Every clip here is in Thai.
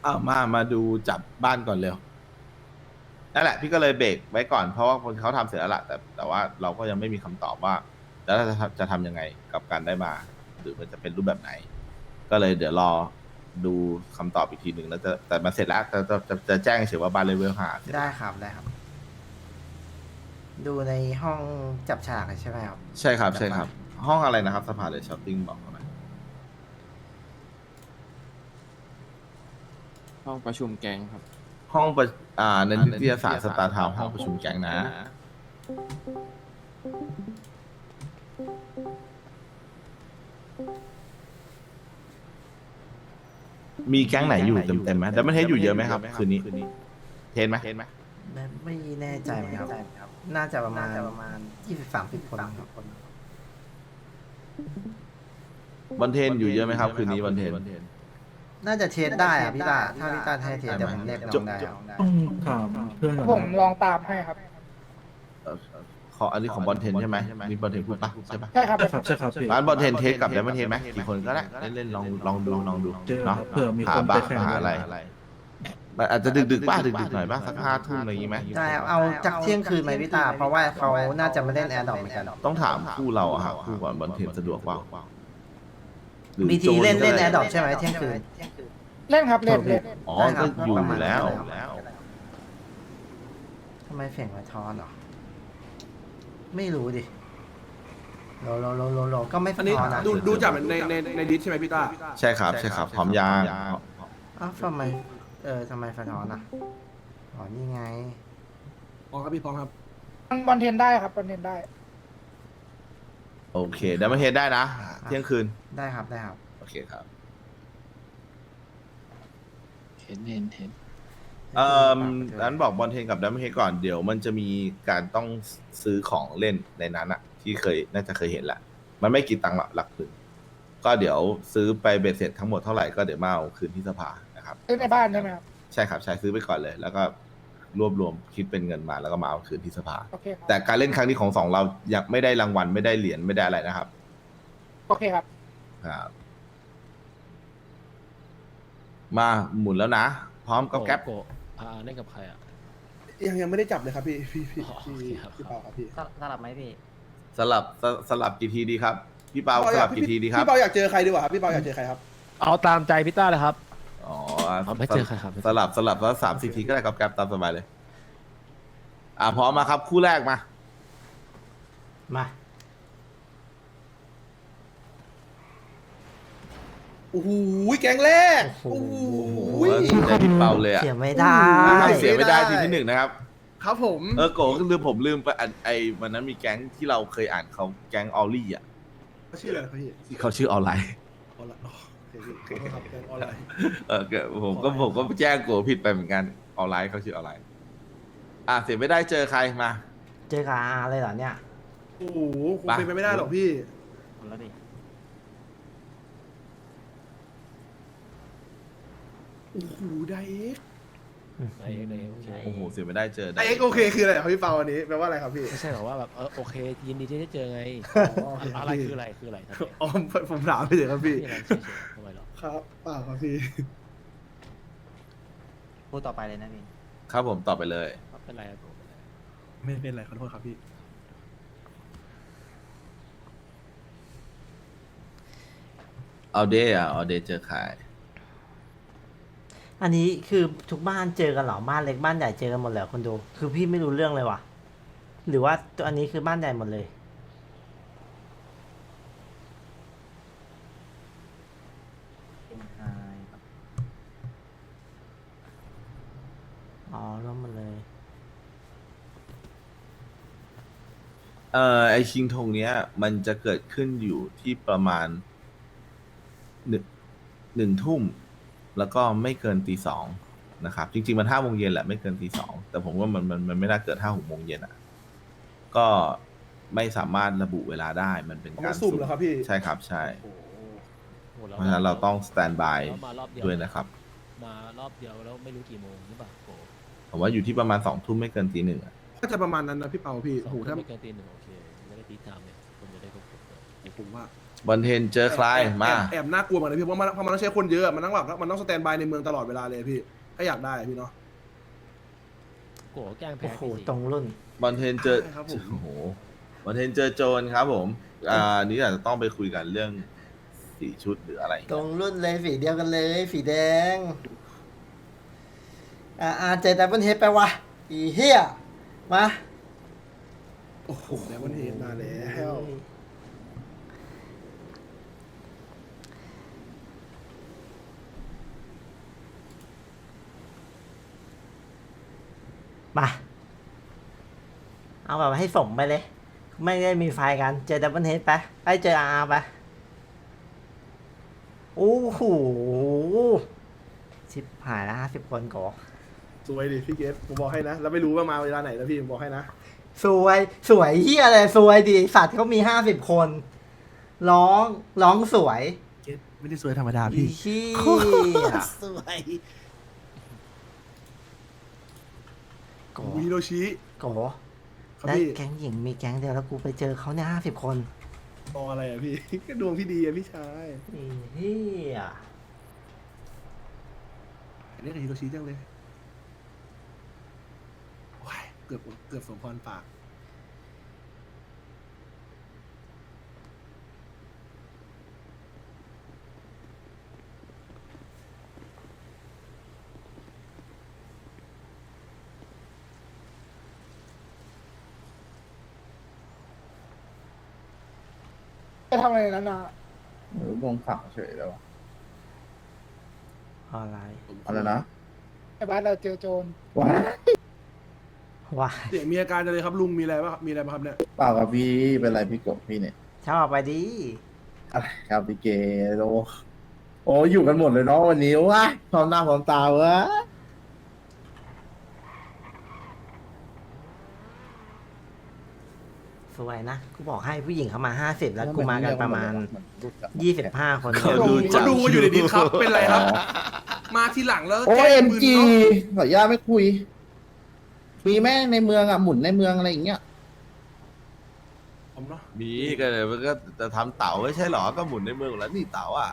มาดูจับบ้านก่อนเร็วนั่นแหละพี่ก็เลยเบรกไว้ก่อนเพราะว่าคนเขาทำเสร็จแล้วล่ะแต่ว่าเราก็ยังไม่มีคำตอบว่าแล้วจะทำยังไงกับการได้มาหรือมันจะเป็นรูปแบบไหนก็เลยเดี๋ยวรอดูคำตอบอีกทีหนึ่งแล้วแต่มันเสร็จแล้วจะแจ้งเฉยว่าบ้านเลเวล5เสร็จได้ครับได้ครับ ดูในห้องจับฉากใช่ไหมครับใช่ครับใช่ครับ ห้องอะไรนะครับสภาเลยช้อปปิ้งบอกเขาหน่อยห้องประชุมแก๊งครับห้องประในนิตยสารสตาร์ทาวน์ห้องประชุมแก๊งนะ มีแก๊งไหนอยู่เต็มไหมแต่ไม่เทสอยู่เยอะไหมครับ คืนนี้เทสไหมไม่แน่ใจเหมือนกันครับ น่าจะประมาณ20-30 คนครับบอลเทนอยู่เยอะไหมครับ คืนนี้บอลเทนน่าจะเทสได้อะพี่ตาถ้าพี่ตาให้เทสเดี๋ยวผมเรียกน้องได้ครับต้องถามเพื่อนก่อนผมลองตามให้ครับอันนี้ของบอลเทนใช่ไหมนี่บอลเทนพูดปะใช่ปะใช่ครับใช่ครับพี่ร้านบอลเทนเทสกับไดมอนเทนไหมกี่คนก็ได้เล่นๆลองดูเจอเนาะเผื่อมีหาคนบ้าไปแข่งหาอะไรมันอาจจะดึกๆบ้างดึกๆหน่อยบ้างสัก5 ทุ่มอะไรอย่างงี้ไหมได้ครับเอาจากเที่ยงคืนไหมพี่ตา เพราะว่าเขาน่าจะไม่เล่นแอร์ดอปเหมือนกันต้องถามคู่เราอะครับคู่ก่อนบอลเทนสะดวกเปล่าหรือมีทีเล่นโจเล่นก็แอได้ร์ดอปใช่ไหมเที่ยงคืนเล่นครับเล่นเล่นอ๋อได้ครัก็บอยู่ประมาณแล้วทำไมเสียงมาทอนเหรอ ไม่รู้ดิโลก็ไม่สะอันนี้ท้อนนะดูจากในดิสใช่ไหมพี่ต้าใช่ครับใช่ครับพร้อมยางอ้าวทำไมทำไมสะท้อนอ่ะอ๋อนี่ไงอ๋อครับพี่พร้อมครับบอลเทนได้ครับบอลเทนได้โอเคไดมอนเทนได้นะ เที่ยงคืนได้ครับได้ครับโอเคครับเห็นนั้นบอกบอลเทนกับไดมอนเทนก่อนเดี๋ยวมันจะมีการต้องซื้อของเล่นในนั้นอะที่น่าจะเคยเห็นแหละมันไม่กี่ตังค์หรอกหลักหมื่นก็เดี๋ยวซื้อไปเบ็ดเสร็จทั้งหมดเท่าไหร่ก็เดี๋ยวมาเอาคืนที่สภานะครับเล่นในบ้านใช่ไหมครับใช่ครับใช่ซื้อไปก่อนเลย แล้วก็รวบรวมคิดเป็นเงินมาแล้วก็มาเอาคืนที่สภาโอเคครับแต่การเล่นครั้งนี้ของสองเรายังไม่ได้รางวัลไม่ได้เหรียญไม่ได้อะไรนะครับโอเคครับครับ มาหมุนแล้วนะ พร้อมกับแก๊ปเล่นกับใครอ่ะยังไม่ได้จับเลยครับพี่พี่อ๋อโอเคครับพี่เปาครับพี่สลับไหมพี่สลับกี่ทีดีครับ พี่เปาสลับกี่ทีดีครับพี่เปาอยากเจอใครดีกว่าครับพี่เปาอยากเจอใครครับเอาตามใจพี่ต้าเลยครับอ๋อไม่เจอใครครับสลับแล้ว3-4 ทีก็ได้ครับแก๊ปตามสบายเลย พร้อมมาครับ คู่แรกมามาโอ้โหแก๊งแรกโอ้โหโอ้โหใจพี่เปาเลยอะเสียไม่ได้เสียไม่ได้ทีที่ 1นะครับครับผมโกผมลืมไปวันนั้นมีแก๊งที่เราเคยอ่านเขาแก๊งออลลี่อ่ะชื่ออะไรครับพี่ที่เขาชื่อออนไลน์ออนไลน์อ๋อโอเคพี่ขอโทษครับแก๊งออนไลน์ผมก็แจ้งโกผิดไปเหมือนกันออนไลน์เขาชื่อออนไลน์ เสียไม่ได้เจอใครมาเจอกับอาเลยเหรอเนี่ยโอ้โหคงเป็นไปไม่ได้หรอกพี่แล้วดิโอ้โหไดเอ็กไอ้โอเคโอ้โหเสียไม่ได้เจอไดเอ็กโอเคคืออะไรครับพี่เปาอันนี้แปลว่าอะไรครับพี่ไม่ใช่หรอว่าแบบโอเคยินดีที่ได้เจอไงอ๋อโอเคอะไรคืออะไรคืออะไรทำไมอ๋อผมถามไปเลยครับพี่อะไรเฉยๆทำไมหรอครับเปล่าครับพี่พูดต่อไปเลยนะพี่ครับผมตอบไปเลยเป็นไรครับไม่เป็นไรขอโทษครับพี่เอาเดย์เอาเดย์เจอใครอันนี้คือทุกบ้านเจอกันเหรอ บ้านเล็กบ้านใหญ่เจอกันหมดเลยคนดู คือพี่ไม่รู้เรื่องเลยว่ะ หรือว่าตัวอันนี้คือบ้านใหญ่หมดเลย อ๋อร่วมหมดเลยไอชิงธงเนี้ย มันจะเกิดขึ้นอยู่ที่ประมาณหนึ่งทุ่มแล้วก็ไม่เกินตี 2นะครับ จริงๆมัน5 โมงเย็นแหละไม่เกินตี 2แต่ผมว่ามันไม่น่าเกิด5-6 โมงเย็นอ่ะ ก็ไม่สามารถระบุเวลาได้มันเป็นเอาการมาสุ่มเหรอครับพี่ใช่ครับใช่โอ้โหเพราะฉะนั้นเราต้องสแตนบายแล้วมารอบเดียวด้วยนะครับมารอบเดียวแล้วไม่รู้กี่โมงหรือเปล่าโอ้ผมว่าอยู่ที่ประมาณ2 ทุ่มไม่เกินตี 1อ่ะก็จะประมาณนั้นนะพี่เปาพี่สองโอ้โหถ้าไม่เกินตี 1โอเคไม่ได้ตีตามเนี่ยคนจะได้ครบผมว่าบอลเทนเจอใครมาแอบน่ากลัวเหมือนกันพี่เพราะมันต้องใช้คนเยอะมันต้องแบบมันต้องสแตนบายในเมืองตลอดเวลาเลยพี่ถ้าอยากได้พี่เนาะโกแกล้งโอ้แพ้โหพี่สิตรงรุ่นบอลเทนเจอใช่ครับผมโอ้โหบอลเทนเจอโจนครับผมนี่อาจจะต้องไปคุยกันเรื่องสีชุดหรืออะไรตรงรุ่นเลยสีเดียวกันเลยสีแดงเจดับเบิลเฮดไปวะอีเฮียมาโอ้โหแล้วมันเห็นมาแล้วมาเอาแบบให้สมไปเลย ไม่ได้มีไฟกันเจอดับเบิลเฮดไปไปเจอไปโอ้โหชิบหายแล้ว50 คนก่อสวยดิพี่เกตผมบอกให้นะแล้วไม่รู้ว่ามาเวลาไหนนะพี่ผมบอกให้นะสวยเฮียอะไรสวยดิสัตว์เขามี50 คน ร้องสวยเกตไม่ได้สวยธรรมดาอีพี่เฮียสวยโกฮิโรชิโกครับและพี่แก๊งหญิงมีแก๊งเดียวแล้วกูไปเจอเขาเนี่ย50 คนมองอะไรอ่ะพี่ ก็ดวงพี่ดีอ่ะพี่ชายอีเฮียเรียกฮิโรชิจังเลยว้ายเกือบสมพรปากจะทำอะไรในนั้นนะหรือวงขังเฉยแล้วอะไรอะไรนะไอ้บ้านเราเจอโจรว้าว้าเสียงมีอาการจังเลยครับลุงมีอะไรบ้างมีอะไรบ้างครับเนี่ยเปล่ากับพี่เป็นไรพี่กบพี่เนี่ยชอบไปดิอะไรครับพี่เกโลโอ้อยู่กันหมดเลยเนาะวันนี้ว้าพร้อมหน้าพร้อมตาวะสวยนะกูบอกให้ผู้หญิงเขามา50แล้วกูมากันประมาณ 25 คนเขาดูจัเขาดูอยู่ในดิสครับเป็นไรครับ มาทีหลังแล้วโอ้แจ้เอ็งมปืนจีเนาะขออนุญาตไม่คุย มีแม่ในเมืองอ่ะหมุนในเมืองอะไรอย่างเงี้ยผมเนาะมีก็เลยมันก็จะทำเต๋าไม่ใช่หรอก็หมุนในเมืองแล้วนี่เต๋าอ่ะ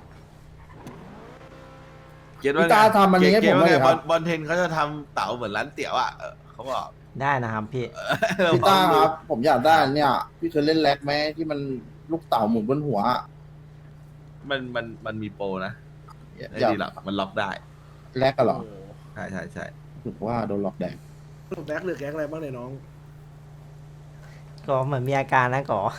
เก็ตว่าพี่ตาทำอันนี้ให้ผมว่าเลยไงครับบอลเทนเขาจะทำเต๋าเหมือนร้านเตี๋ยวอ่ะเขาบอกได้นะครับพี่พี่ตาครับ ผมอยากได้อันเนี่ย พี่เคยเล่นแล็กไหมที่มันลูกเต่าหมุนบนหัวอะมันมีโปรนะอยาไม่กดีหรอกมันล็อกได้แล็กกันเหรอโอ้โหใช่ถือว่าโดนหลอกแดงแบล็กหรือแก๊งอะไรบ้างเนี่ยน้องก็เหมือนมีอาการนะก่อ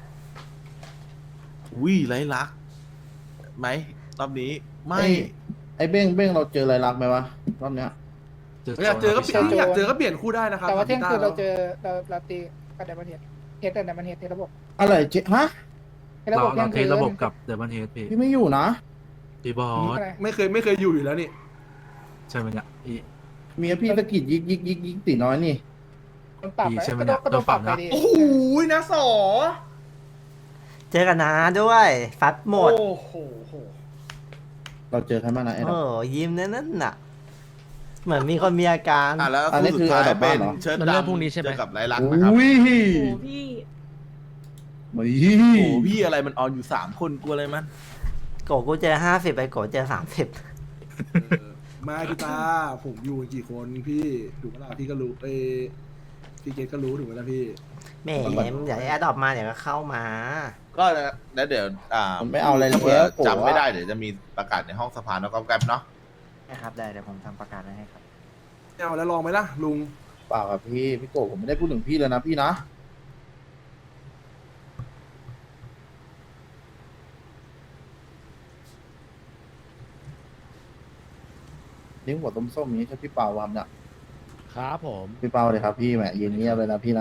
วิไร้ลักษณ์ไหมรอบนี้ไม่ไอ้เบ้งเราเจออะไรรักไหมวะรอบเนี้ยอยากเจอก็เปลี่ยนอยากเจอก็เปลี่ยนคู่ได้นะครับแต่ว่าเที่ยงคืนเราเจออเราตีกับไดมอนเฮดเฮดแต่ไดมอนเฮดเทระบบอะไรเจ๊ฮะเทระบบเที่ยงคืนระบบกับเดบันเฮดพี่พี่ไม่อยู่นะพี่บอสอะไรไม่เคยอยู่แล้วนี่ใช่ไหมเนี่ยพี่เมียพี่สะกิดยิกตีน้อยนี่มันปรับดีไปใช่ไหมก็เนี่ยโดนปรับโดนปรับไปนะดิโอ้โหนะสอเจอกันนะด้วยฟัดหมดโอ้โหเราเจอใครบ้างนะไอ้โอ้ดำยิ้มนั่นน่ะ เหมือนมีคนมีอาการแล้วอันนี้คู่คืสุอดท้ายอันดับเป็นบ้านเหรอเชิดมันเริ่มดำพรุ่งนี้ใช่ไหมเจอกับไรลักษณ์นะครับอุ้ยพี่มาโอ้โหพี่อะไรมันออนอยู่3 คนกลัวอะไรมันโกกูเจอ50ไปโกเจอ30 มาพี่ตาผมอยู่กันกี่คนพี่ถูกไหมล่ะพี่ก็รู้พี่เกตก็รู้ถูกไหมล่ะพี่แหมเดี๋ยวแอดดอปมาเดี๋ยวก็เข้ามาก็แล้วเดี๋ยวผมไม่เอาอะไรเลยถ้าเผื่อโกรธจำไม่ได้เดี๋ยวจะมีประกาศในห้องสภาแล้วก็แกรบเนาะนะครับได้เดี๋ยวผมทำประกาศให้ครับเอาแล้วลองไหมล่ะลุงเปล่าครับพี่โกผมไม่ได้พูดถึงพี่เลยนะพี่นะเลี้ยงหัวต้มส้มอย่างนี้ใช่พี่เปาทำเนี่ยครับผมพี่เปาเลยครับพี่แหมยืนเงียบเลยนะพี่นะ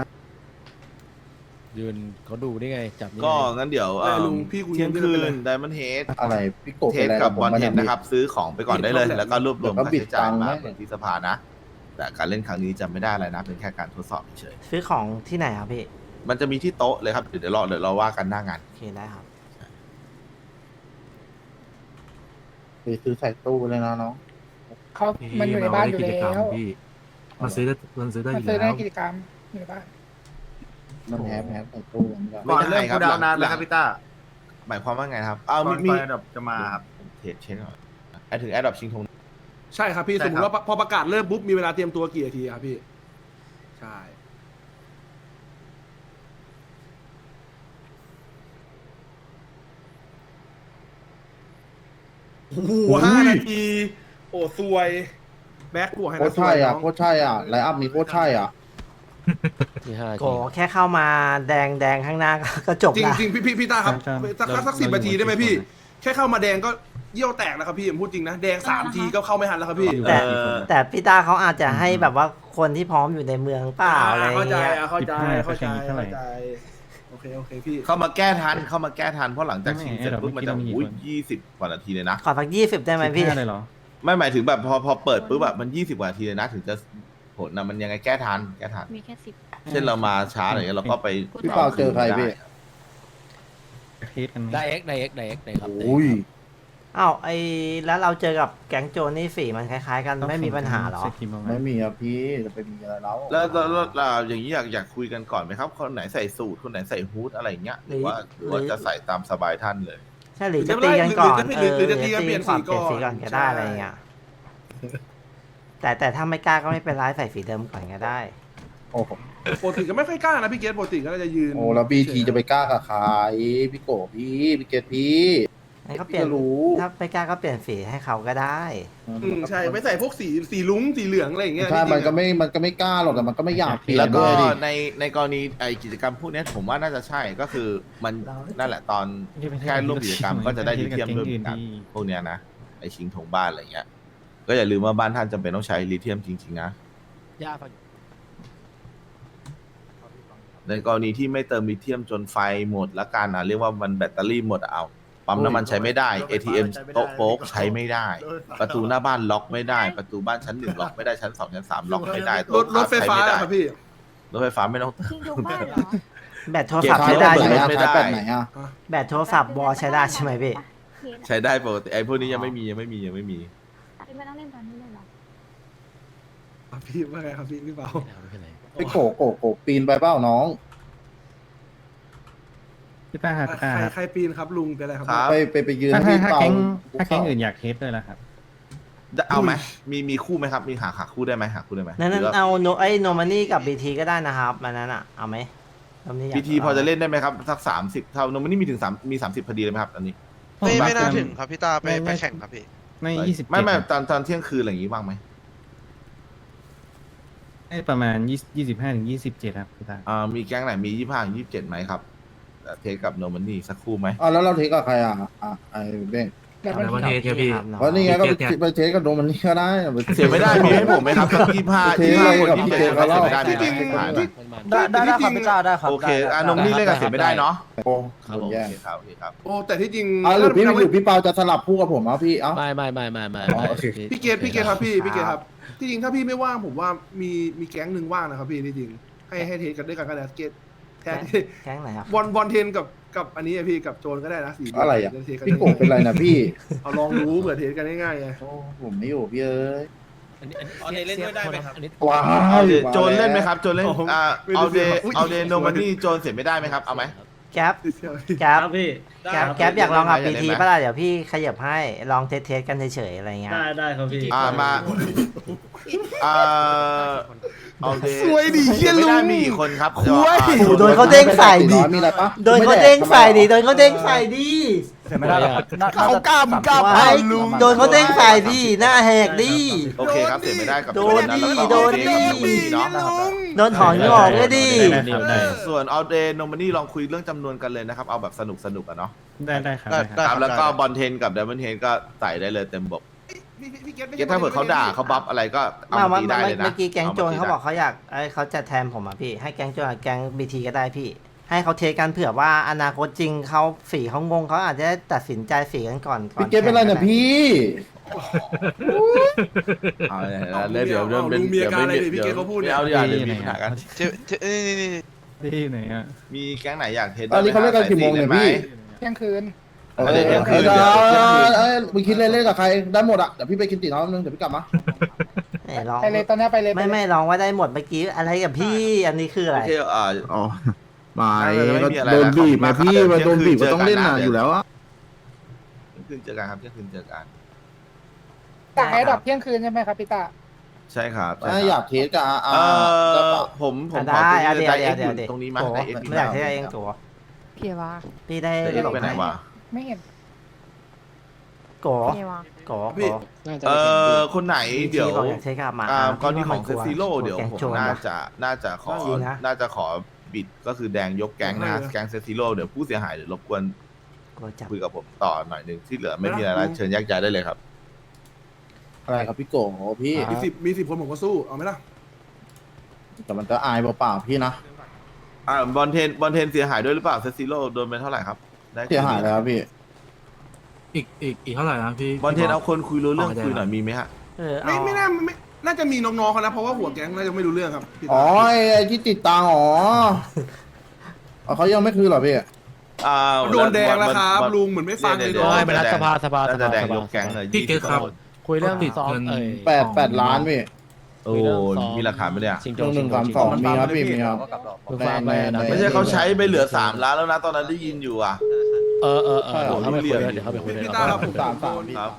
ยืนเขาดูได้ไงจับนี่ก็ไงงั้นเดี๋ยวลุงพี่คุยเที่ยงกัคืไปเลนไดมอนเฮดอะไรพี่โกเทเป็นสอะไรกับบอลผมเทไม่นได้นะครับ ซื้อของไปก่อนได้เลย แล้วก็รวบรวมเดี๋ยวก็ค่าบิดใช้จ่ายตังค์มาให้เหมือนที่สภานะ แต่การเล่นครั้งนี้จะไม่ได้อะไรนะ เป็นแค่การทดสอบเฉยซื้อของที่ไหนครับพี่ๆมันจะมีที่โต๊ะเลยครับ เดี๋ยวเราว่ากันหน้างานโอเคได้ครับไปซื้อใส่ตู้เลยนะน้องเขาพี่มันอยู่ในบ้านอยู่กิจแล้กรรมวพี่มันซื้อได้อมันยู่ซื้อได้แล้วกิจกรรมอยู่ในบ้านมันแฮปใส่ตู้มันก็ก่อนเริ่มคูดาวน์นานแล้วครับพี่ต้าหมายความว่าไงครับเอามีแอดดอปจะมาครับเช็คก่อนไอ้ถึงแอดดอปชิงธงใช่ครับพี่ใช่สมมครัติบว่าพอประกาศเริ่มปุ๊บมีเวลาเตรียมตัวกี่นาทีครับพี่ใช่โอ้โห5 นาทีโอ้ซวยแบ็คบวกให้โคนะตรใช่อ่ะซวยน้งโคตรใช่อ่ะไลน์อัพมีโคตรใช่อ่ะที่ห้าโกแค่เข้ามาแดงข้างหน้าก็จบจริงละจริงพี่ต้าครับสัก10 นาทีได้ไหมพี่ แค่เข้ามาแดงก็เยี่ยวแตกแล้วครับพี่ผมพูดจริงนะแดง3 ทีก็เข้าไม่ทันแล้วครับพี่แต่พี่ตาเขาอาจจะให้แบบว่าคนที่พร้อมอยู่ในเมืองเปล่าอะไรอย่างเข้าใจเงี้ยเข้าใจโอเคพี่เข้ามาแก้ทันเพราะหลังจากชิงเสร็จปุ๊บมันจะ20 กว่านาทีเลยนะขอสัก20ได้ไหมพี่ไม่หมายถึงแบบพอเปิดปุ๊บแบบมัน20 กว่านาทีเลยนะถึงจะผลนะมันยังไงแก้ทันมีแค่10 เช่นเรามาช้าหน่อยเราก็ไปพี่เปาเจอใครพี่ได้เอ็กได้ครับอุ้ยอ้าวแล้วเราเจอกับแก๊งโจรนี่สีมันคล้ายๆกันไม่มีปัญหาเหรอไม่มีครับพี่จะไปมีอะไรแล้วแล้วอย่างนี้อยากคุยกันก่อนไหมครับคนไหนใส่สูทคนไหนใส่ฮู้ดอะไรอย่างเงี้ยหรือว่าจะใส่ตามสบายท่านเลยใช่หรือจะตีกันก่อนหรือจะตีกันเปลี่ยนสีก่อนเปลี่ยนสีก่อนก็ได้อะไรอย่างเงี้ยแต่ถ้าไม่กล้าก็ไม่เป็นไรใส่สีเดิมก่อนก็ได้โอ้โหปกติก็ไม่ค่อยกล้านะพี่เกตปกติก็จะยืนโอ้แล้วบีทีจะไปกล้ากับใครพี่โกพี่เกตพี่งั้นก็เปลี่ยนพี่ก็รู้ถ้าไม่กล้าก็เปลี่ยนสีให้เขาก็ได้ใช่ไม่ใส่พวกสีลุ้งสีเหลืองอะไรอย่างเงี้ยใช่มันก็ไม่กล้าหรอกแต่มันก็ไม่อยากเปลี่ยแล้นวก็ด้วยดิในกรณีไอกิจกรรมพวกเนี้ยผมว่าน่าจะใช่ก็คือมันนั่นแหละตอนแค่ร่วมกิจกรรมก็จะได้ลิเทียมด้วยเหมือนกันพวกเนี้ยนะไอชิงธงบ้านอะไรเงี้ยก็อย่าลืมว่าบ้านท่านจำเป็นต้องใช้ลิเทียมจริงๆนะย่าฟังในกรณีที่ไม่เติมลิเทียมจนไฟหมดแล้วกันนะเรียกว่ามันแบตเตอรี่หมดเอาปั๊มน้ำมันใช้ไม่ได้ ATM โต๊ะโป๊กใช้ไม่ได้ ประตูหน้าบ้านล็อกไม่ได้ ประตูบ้านชั้น1ล็อกไม่ได้ชั้น2ชั้น3ล็อกไม่ได้รถไฟฟ้าใช้ม่ด้ครับพี่รถไฟฟ้าไม่ต้องชิงธงบ้านเหรอแบตโทรศัพท์ใช้ได้ไหนใช่ไหมอะไม่ได้ขายแบบไหนอะแบตโทรศัพท์วอลใช้ได้ใช่ไหมพี่ใช้ได้ปกติไอ้พวกนี้ยังไม่มีไม่ต้องเล่นตอนนี้เลยเหรอพี่ว่าไงครับพี่เปาไม่เป็นไรพี่โกปีนไปเปล่าน้องพี่ต้าครับพี่ต้าครับใครปีนครับลุงเป็นอะไรครับครับไปยืนถ้าพี่ถ้าเปาแก๊งถ้าแก๊งอื่นอยากเทสด้วยแล้วครับเอาไหมมีคู่ไหมครับมีหาคู่ได้ไหมหาคู่ได้ไหมนั้นหรือว่าเอาโนมานี่กับบีทีก็ได้นะครับมันนั้นอ่ะเอาไหมรอบนี้อยากพีทีพอจะเล่นได้ไหมครับสัก30เท่าโนมันนี่มีถึง3มี30พอดีเลยไหมครับอันนี้ไม่น่าถึงครับพี่ตาไปแข่งครับพี่ใน20 ไม่ตอนเที่ยงคืนอะไรอย่างงี้บ้างไหมประมาณ25 ถึง 27ครับพี่ต้ามีแก๊งไหนมี25 27ไหมครับเทสกับโนมันนี่สักคู่ไหมอ๋อแล้วเราเทสกับใครอ่ะไอ้เบ้งแบบในมันประเทศครับพี่ครับน้องเพราะนี่ไงก็ไปเทสกับโดมันนี่ก็ได้เสียไม่ได้มีให้ผมไหมครับสัก25 เทสเลยกับคนพี่ที่เทเทสสก็ก็รเสีอย บไม่ได้มีให้ผมหายหน่อยมันได้ครับพี่ตาได้ครับโอเคโนมันนี่เล่นกับเสียไม่ได้เนาะโอ้ครับโดผมนแย่โอเคครับโอเคครับโอ้แต่ที่จริงหรือพี่เปาจะสลับคู่กับผมเอาพี่เอ้าไม่อ๋อโอเคพี่เกตครับพี่เกตครับที่จริงถ้าพี่ไม่ว่างผมว่ามีแก๊งหนึ่งว่างนะครับพี่ที่จริงให้เทสกันด้วยกันก็ได้เกตแทนแก๊งไหนครับบอลเทนกับอันนี้พี่กับโจนก็ได้นะสีอะไรอ่ะเทสกันพี่โกเป็นไรนะพี่เอาลองรู้เผื่อเทสกันง่ายๆไงโอ้ผมไม่อยู่พี่เอ้ยอันนี้เล่นด้วยได้ไหมครับอันนี้ว้าเอาวเดโจนเล่นไหมครับโจนเล่นเอาเดโนมันนี่โจนเสียไม่ได้ไหมครับเอาไหมแก๊ปแก๊ปแก๊ปอยากลองกับบีทีป่ะล่ะเดี๋ยวพี่ขยับให้ลองเทสกันเฉยๆอะไรเงี้ยได้ครับพี่มาเอาเดสวยดิเหี้ยไม่ลุได้งมีกี่คนครับโดนเขาเด้งใส่ดิมีอะไรปะโดนเขาเด้งใส่ดิโดนเขาเด้งใส่ดิไม่ได้หรอกเขากล้ามกล้าไว้โดนเขาเด้งใส่ดิหน้าแหกดิโอเคครับเสียไม่ได้กับโดนดิแล้วก็โดนดิเนาะโดนถอนงอกเลยดิได้ส่วนเอาเดโนมันนี่ลองคุยเรื่องจำนวนกันเลยนะครับเอาแบบสนุกอะเนาะได้ครับครับแล้วก็บอลเทนกับไดมอนเทนก็ใส่ได้เลยเต็มบกพี่เกตเกถ้าเผื่อเขาด่าเขาบัฟอะไรก็เอามาตีได้เลยนะเมื่อกี้แก๊งโจรเขาบอกเขาอยากเขาจะแทนผมอ่ะพี่ให้แก๊งโจรกับแก๊งบีทีก็ได้พี่ ให้เขาเทสกันเผื่อว่าอนาคตจริงเขาฝีเขางงเขาอาจจะตัดสินใจฝีกันก่อนพี่เกตเป็นไรเนี่ยพี่เอาเลยเดี๋ยวไม่เอาอย่าเดี๋ยวมีปัญหากันนี่ที่ไหนอ่ะมีแก๊งไหนอยากเทสตอนนี้เขาเล่นกันกี่โมงเนี่ยพี่เที่ยงคืนเอ้มึงคิดเล่นกับใครได้หมดอ่ะเดี๋ยวพี่ไปกินตี๋น้องนึงเดี๋ยวพี่กลับมาลองไปเลยตอนนี้ไปเลยไม่ลองว่าได้หมดเมื่อกี้อะไรกับพี่อันนี้คืออะไรโอเคหมายน่าจะไม่ก็มีอะไรโดนบีบแล้วมาพี่ครับมาโดนบีบเที่ก็ยงคืนต้องเล่นเจอกัน่ะนอยู่แล้วอะเที่ยงคืนเจอกันครับเที่ยงคืนเจอกันจากไอ้ดับเที่ยงคืนใช่ไหมครับพี่ตาใช่ครับถ้าอยากเทสกับได้ปะผมขอได้ตัวนี้เดี๋ยวได้เอ็กเดี๋ยวซ์เดี๋ยวตรงนี้มาโกได้เอ็กซ์ไม่อยากให้เองตัวพี่วะพี่ได้ได้เอ็กซ์ไปไหนวะไม่เห็นโกพี่วะโกพี่คนไหนเดี๋ยวบอกอยากเทกับมากรณีของเซซิโร่เดี๋ยวแกงผมโจรน่าจะขอจริงนะน่าจะขอบิดก็คือแดงยกแก๊งนะแก๊งเซซิโร่เดี๋ยวผู้เสียหายเดี๋ยวรบกวนโกจับคุยกับผมต่อหน่อยหนึ่งที่เหลือไม่มีอะไรแล้วเชิญแยกย้ายได้เลยครับอะไรครับพี่โกโหพี่มี10คนผมก็สู้เอาไหมล่ะแต่มันก็อายเปล่าๆพี่นะบอลเทนเสียหายด้วยหรือเปล่าเซซิโร่โดนไปเท่าไหร่ครับได้เสียหายแล้วพี่อีกเท่าไหร่นะพี่บอลเทนเอาคนคุยรู้เรื่องอ๋อได้คุยหน่อยมีไหมฮะเอาไม่น่าจะมีน้องๆเขานะเพราะว่าหัวแก๊งน่าจะไม่รู้เรื่องครับพี่อ๋ตาอไอ้ที่ติดตังค์อ๋อเขายังไม่คืนเหรอพี่โดนแดงแล้วครับลุงเหมือนไม่ฟังเลยดี๋โดวนไม่เป็นรัฐสภาน่าจะแดงยกแก๊งเลยพี่เกตครับคุยเรื่องติดซ้อมเงิน 8 ล้านพี่โอ้มีหลักฐานไหมเนี่ยชิงโจหนึ่งสามสองมีครับพี่มีครับคือฟาร์มไปนะไม่ใช่เขาใช้ไปเหลือ3 ล้านแล้วนะตอนนั้นได้ยินอยู่อ่ะเดี๋ยวเขาไปคุยเดี๋ยวเขาไปคุยพี่ตาครับผมสามพี่ครับ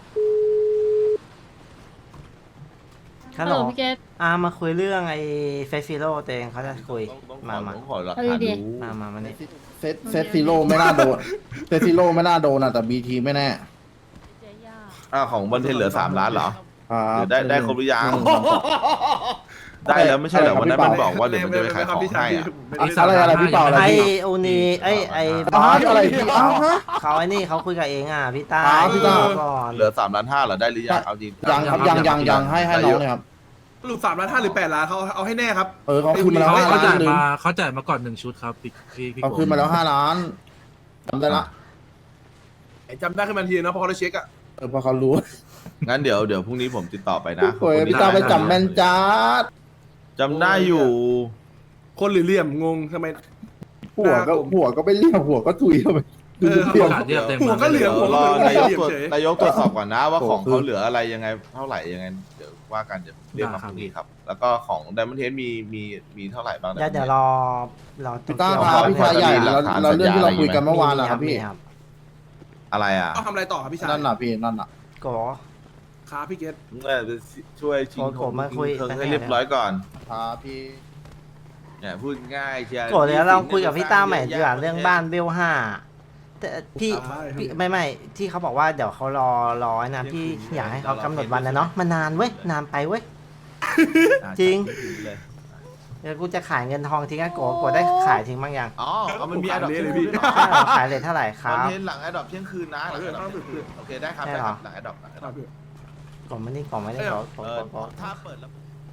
ฮัลโหลพี่เกตมาคุยเรื่องไอ้เฟสซิโลตัวเองเขาจะคุยต้องขอหลักเอาฐานดีดูมานี่เซตซิโร่ไม่น่าโดนเซตซิโร่ไม่น่าโดนอ่ะแต่บีทีไม่แน่เจ๊ย่าของบอลเทนเหลือ3 ล้านเหรออ่าหรือได้ครบหรือยังหนึ่งสามสองได้แล้วไม่ใช่เหรอวันนั้นมันพี่เปาบอกว่าเดี๋ยวมันจะไปขายของให้อะอะไรพี่เปาอะไรไอ้พี่อูนีไอ้บอ๋ออสอะไรพี่อ๋อฮะเขาไอ้นี่เขาคุยกับเองพี่ต้าพี่ต้าก่อนเหลือ3 ล้าน 5เหรอได้หรือยังเอาจริงยังครับยังให้น้องเลยครับสรุป3 ล้าน 5หรือ8 ล้านเขาเอาให้แน่ครับเขาคืนมาแล้วเขา 5 ล้าจ่าน ยหนึ่งมาเขาจ่ายมาก่อน1 ชุดครับพี่เขาคืนมาแล้ว5 ล้านจำได้ละจำได้ขึ้นมาทีนะเพราะเขาได้เช็คอะพอเขารู้งั้นเดี๋ยวพรุ่งนี้ผมติดต่อไปนะโอ้ยพี่ตาไปจำแม่นจ้าจำได้อยู่คนหรือเหลี่ยมงงทำไมหัวก็ไม่เรียกหัวก็ถุยเข้าไปดูเรียกโอกาสเรียกเต็มหัวก็เหลี่ยมรอนายกตรวจเฉยนายกตรวจสอบก่อนนะว่าของโอ้โหเขาเหลืออะไรยังไงเท่าไหร่ยังไงเดี๋ยวว่ากันเดี๋ยวเรียกมาพรุ่งนี้ครับ แล้วก็ของไดมอนเทสมีเท่าไหร่บ้างเดี๋ยวรอพี่ต้าครับพี่ชายใหญ่เราเรื่องที่เราคุยกันเมื่อวานนะครับพี่อะไรอ่ะเอาทำอะไรต่อครับพี่ชายนั่นน่ะพี่นั่นน่ะโกครับพี่เกตช่วยชิงผมมาคุยเทิงให้เรียบร้อยก่อนครับพี่เนี่ยพูดง่ายเชียร์โกเดี๋ยวเราคุยกับพี่ต้าใหม่ดีกว่าเรื่องบ้านเบล5แต่พี่ไม่ที่เขาบอกว่าเดี๋ยวเขารอนะพี่อยากให้เขากำหนดวันนะเนาะมันนานเว้ยนานไปเว้ย จริง เดี๋ยวกูจะขายเงินทองทิ้งอะโกได้ขายทิ้งบ้างยังอ๋อเอามันมีขายแอดดอปเลยเที่ยงพี่คืนใช่เหรอขายเลยเท่าไหร่คคอนรับเทนต์หลังแอดดอปเที่ยงคืนนะหลังแอดดอปเที่ยงคืนโอเคได้ครับใช่ได้เหรคอรับหลังแอดดอปหลังแอดคดรัอบ ปพี่กล่องไม่ได้ขอถ้าเปิดแล้ว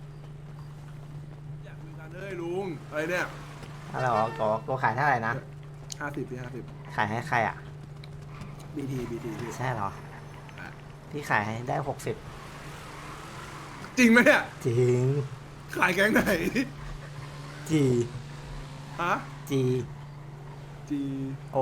อยากมีการเลยลุงอะไรเนี่ยอะไรหรอโกขายเท่าไหร่นะ 50พี่50 ขายให้ใครอ่ะ BT พี่ใช่เหรอพี่ขายให้ได้60 จริงไหมเนี่ยจริงขายแก๊งไหนจีฮะจี G โอ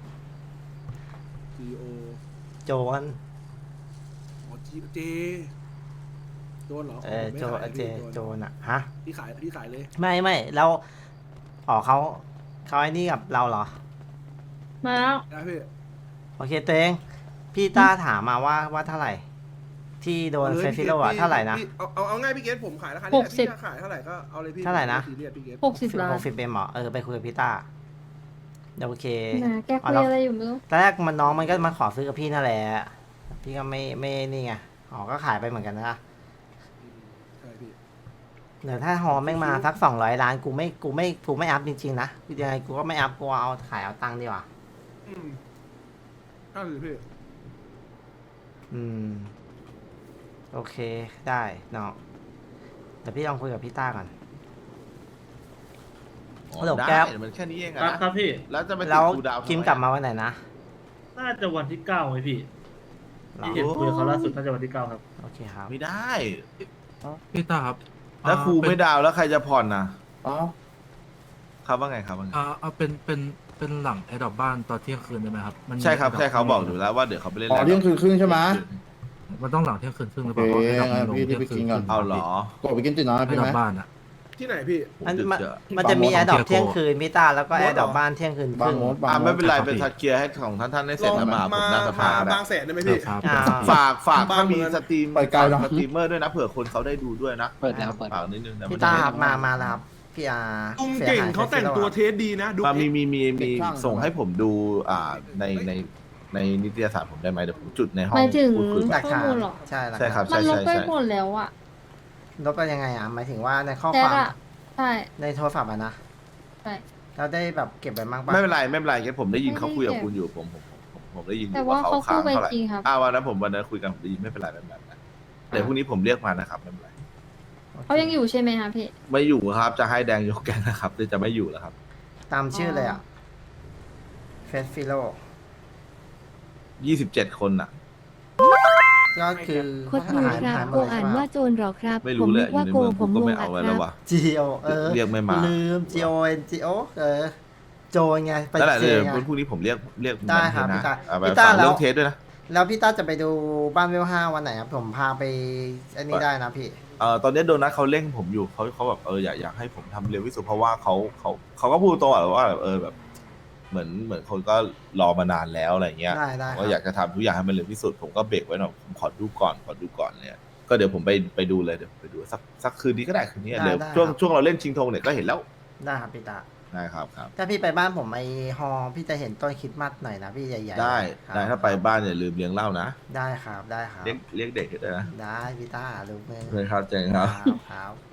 G O โจนอ๋อ J โดนเหรอโจไม่ขายเจพี่โจนอ่ะฮะพี่ขายเลยไม่แล้วอ๋อเขาไอ้นี่กับเราเหรอมาแล้วได้พี่โอเคตัวเองพี่ต้าถามมาว่าเท่าไหร่ ที่โดนเฟซิโลอ่ะเท่าไหร่นะพี่เอาง่ายพี่เกตผมขายราคานี้แหละพี่จะขายเท่าไหร่ก็เอาเลยพี่เท่าไหร่นะซีเรียสพี่เกต 60 ล้าน 60เป็นหมอไปคุยกับพี่ต้าโอเคแหมแกคุยอะไรอยู่ไม่รู้ตอนแรกน้องมันก็มาขอซื้อกับพี่นั่นแหละพี่ก็ไม่นี่ไงอ๋อก็ขายไปเหมือนกันนะใช่พี่เดี๋ยวถ้าฮอแม่งมาสัก200 ล้านกูไม่อัพจริงๆนะยังไงกูก็ไม่อัพกูเอาขายเอาตังค์ดีกว่านั่นเลยพี่โอเคได้น้องแต่พี่ลองคุยกับพี่ต้าก่อน ฮัลโหลได้แก๊ปมันแค่นี้เองอะนะครับพี่แล้วจะไปติแล้ดวคูลดาวน์คิมกลับมาวันไหนนะน่าจะวันที่9ไหมพี่หรอที่เห็นคุยกับเขาล่าสุดน่าจะวันที่9ครับโอเคครับไม่ได้พี่ตาครับถ้าครูไม่ดาวน์แล้วใครจะผ่อนนะอ๋อครับว่าไงครับว่าไงเอาเป็นหลังแอดดอปบ้านตอนเที่ยงคืนได้ไหมครับมันมีใช่ครับ Adopt ใช่เขาบอกอยู่แล้วว่าเดี๋ยวเขาไปเล่นอ๋อเที่ยงคืนครึ่งใช่ไหมมันต้องหลังเที่ยงคืนครึ่งหรือเปล่าโอเคเพราะ Adopt มันลงพี่เที่ยงไปคืกินนก่อนเอาเหรอกดไปกินติดน้อยแอดพี่ดอไหมปบ้านอ่ะที่ไหนพี่มันจะมีแอร์ดรอปเที่ยงคืนพี่ตาแล้วก็แอร์ดรอปบ้านเที่ยงคืนคบางรึ่งมดบางมดไม่เป็นไรเป็นทักเกียร์ให้ของท่านให้เสร็จแล้วมาผมหน้าสภาได้บางแสนได้ไหมพี่ครับอ่าฝากถ้ามีสตรีมไปไกลเนอะสตรีมเมอร์ด้วยนะเผื่อคนเขาได้ดูด้วยนะเปิดแล้วเปิดฝากนิดนึงนะพี่ตาครับมาแล้วครับพี่อาลุงเก่งเขาแต่งตัวเทสดีนะดูมีส่งให้ผมดูในนิตยสารผมได้ไหมเดี๋ยวผมจุดในห้องหมายถึงพูดคุยหลักฐานข้อมูลเหรอใช่หลักใช่ครัฐาบนมันลบไปใช่หมดแล้วอะลบไปยังไงอ่ะหมายถึงว่าในข้อแชคทวามอะใช่ในโทรศัพท์อ่ะนะใช่เราได้แบบเก็บไปบ้างปะไม่เป็นไรแค่ผมได้ยินไม่ได้เขาคุยกับเก็บคุณอยู่ผมได้ยินอแต่ยู่ว่าว่าเขาเขาค้างพูดไปเท่าไหร่จริงครับวันนั้นคุยกันผมได้ยินไม่เป็นไรเดี๋ยวพรุ่งนี้ผมเรียกมานะครับไม่เป็นไรเขายังอยู่ใช่ไหมคะพี่ไม่อยู่ครับจะให้แดงยกแกงนะครับจะไม่อยู่แล้วครับตามชื่อเลยอ่ะเฟสฟิโล 27 คนน่ะก็คือโคตรรู้ครับโกอ่านว่าโจรหรอครับไม่ผรู้มเลนึยกอยู่ว่าในโกเมืองผผมมก็งไม่งเอาอะไว้คแล้รัวบวะจีโอเรียกไม่มาลืม GONGO โจรไงไปนั่นแหละเจเดี๋ยวไงพรุ่งนี้ผมเรียกได้ครับนะพี่ตาเอาไปพี่ตาฝากแล้วเรื่องเทสด้วยนะแล้วพี่ต้าจะไปดูบ้านเวล5วันไหนครับผมพาไปอันนี้ได้นะพี่ตอนนี้โดนัทเขาเร่งผมอยู่เขาแบบอยากให้ผมทำเร็วที่สุดเพราะว่าเขาก็พูดตรงว่าแบบเหมือนคนก็รอมานานแล้วอะไรเงี้ยได้ผมก็อยากจะทำทุกอย่างให้มันเร็วที่สุดผมก็เบรกไว้หน่อยผมขอดูก่อนเนี่ยก็เดี๋ยวผมไปดูเลยเดี๋ยวไปดูสักคืนนี้ก็ได้คืนนี้เดี๋ยวช่วงเราเล่นชิงธงเนี่ยก็เห็นแล้วได้ครับพี่ตาได้ครับถ้าพี่ไปบ้านผมไอฮอพี่จะเห็นต้นคริดมัดหน่อยนะพี่ใหญ่ๆได้ครับได้ถ้าไปบ้านอย่าลืมเลี้ยงเหล้านะได้ครับได้ครับเรียกเด็กด้วยนะได้พี่ตาลูกมือเลยครับเจงครับครับ